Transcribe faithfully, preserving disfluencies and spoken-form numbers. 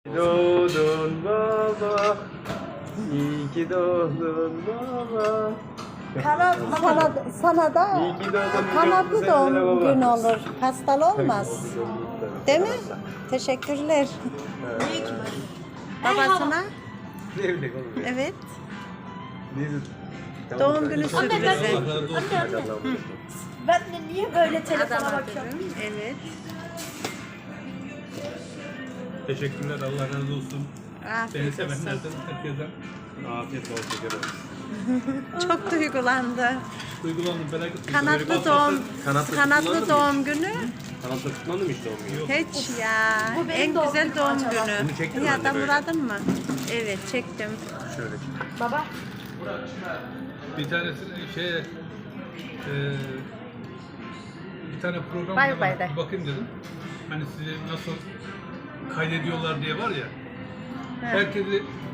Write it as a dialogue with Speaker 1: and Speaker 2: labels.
Speaker 1: Doğdun baba, iyi ki doğdun baba.
Speaker 2: Kana, sana, sana da
Speaker 1: İyi ki doğdun,
Speaker 2: kanatlı
Speaker 1: çok
Speaker 2: doğum
Speaker 1: güzel baba.
Speaker 2: günü olur. Hastalı olmaz. Değil mi? Teşekkürler. Babasına.
Speaker 1: Ne bileyim oğlum ya.
Speaker 2: Evet.
Speaker 1: Ne-
Speaker 2: Doğum günü
Speaker 1: Tamam,
Speaker 2: sürprizi.
Speaker 1: Hadi Allah'a emanet ol.
Speaker 3: Ben de niye böyle telefona
Speaker 2: Adama
Speaker 3: bakıyorum?
Speaker 2: dürüm. Evet.
Speaker 4: Teşekkürler, Allah razı olsun. Beni
Speaker 2: Afiyet olsun.
Speaker 4: sevenlerden, herkesten
Speaker 1: Afiyet olsun şeker olsun.
Speaker 2: Çok duygulandı.
Speaker 4: duygulandım, felaket.
Speaker 2: Kanatlı doğum,
Speaker 1: Kanatlı
Speaker 2: kanatlı
Speaker 1: kullandın mı
Speaker 2: doğum günü.
Speaker 1: Kanatla tutmadın mı hiç doğum günü?
Speaker 2: Hiç ya.
Speaker 3: Bu benim
Speaker 2: En
Speaker 3: doğum
Speaker 2: güzel
Speaker 3: günüm
Speaker 2: doğum
Speaker 3: acaba?
Speaker 2: günü.
Speaker 1: Bunu çektin mi
Speaker 2: Ya
Speaker 1: anne
Speaker 2: da
Speaker 1: böyle?
Speaker 2: Murad'ın mı? Evet çektim.
Speaker 1: Şöyle.
Speaker 3: Baba.
Speaker 4: Bir tanesi şey, e, bir tane program
Speaker 2: Bay
Speaker 4: var,
Speaker 2: bay de.
Speaker 4: bir bakayım dedim. Hani sizi nasıl kaydediyorlar diye var ya. Herkesi